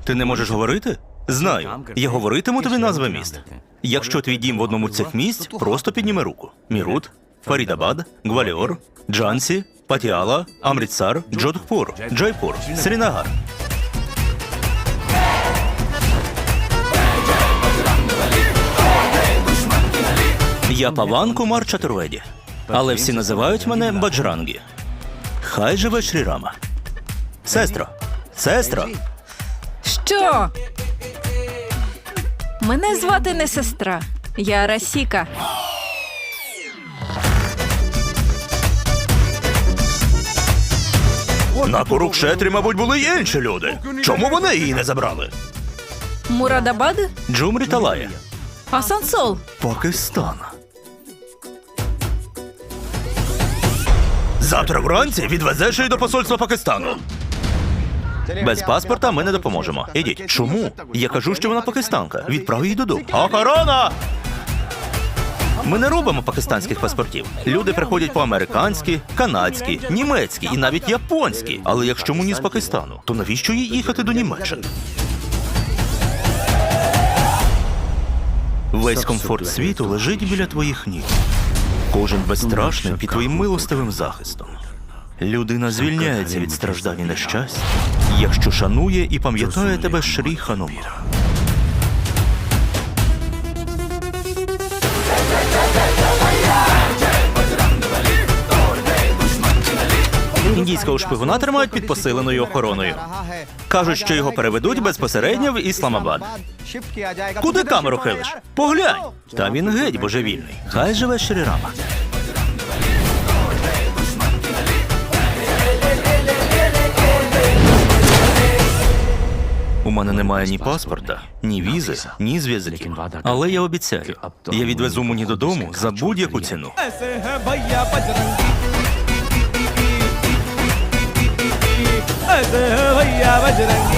Ти не можеш говорити? Знаю. Я говоритиму тобі назви міст. Якщо твій дім в одному з цих місць, просто підніми руку. Мірут, Фарідабад, Гваліор, Джансі, Патіала, Амрітсар, Джодхпур, Джайпур, Срінагар. Я Паван Кумар Чатурведі, але всі називають мене Баджрангі. Хай живе Шрі Рама. Сестро! Сестро! Що? Мене звати не сестра. Я Расіка. На Курукшетрі, мабуть, були й інші люди. Чому вони її не забрали? Мурадабад? Джумрі Талая. Асансол. Пакистан. Завтра вранці відвезеш її до посольства Пакистану. Без паспорта ми не допоможемо. Ідіть. Чому? Я кажу, що вона пакистанка. Відправ її додому. Охорона! Ми не робимо пакистанських паспортів. Люди приходять по американськи, канадські, німецькі і навіть японські. Але якщо мені з Пакистану, то навіщо їй їхати до Німеччини? Весь комфорт світу лежить біля твоїх ніг. Кожен безстрашний під твоїм милостивим захистом. Людина звільняється від страждань і нещастя, якщо шанує і пам'ятає тебе Шрі Ханумар. Індійського шпигуна тримають під посиленою охороною. Кажуть, що його переведуть безпосередньо в Ісламабад. Куди камеру хилиш? Поглянь! Та він геть божевільний. Хай живе Шрі Рама. У мене немає ні паспорта, ні візи, ні зв'язків. Але я обіцяю, я відвезу Муні додому за будь-яку ціну. ऐसे है भैया बजरंगी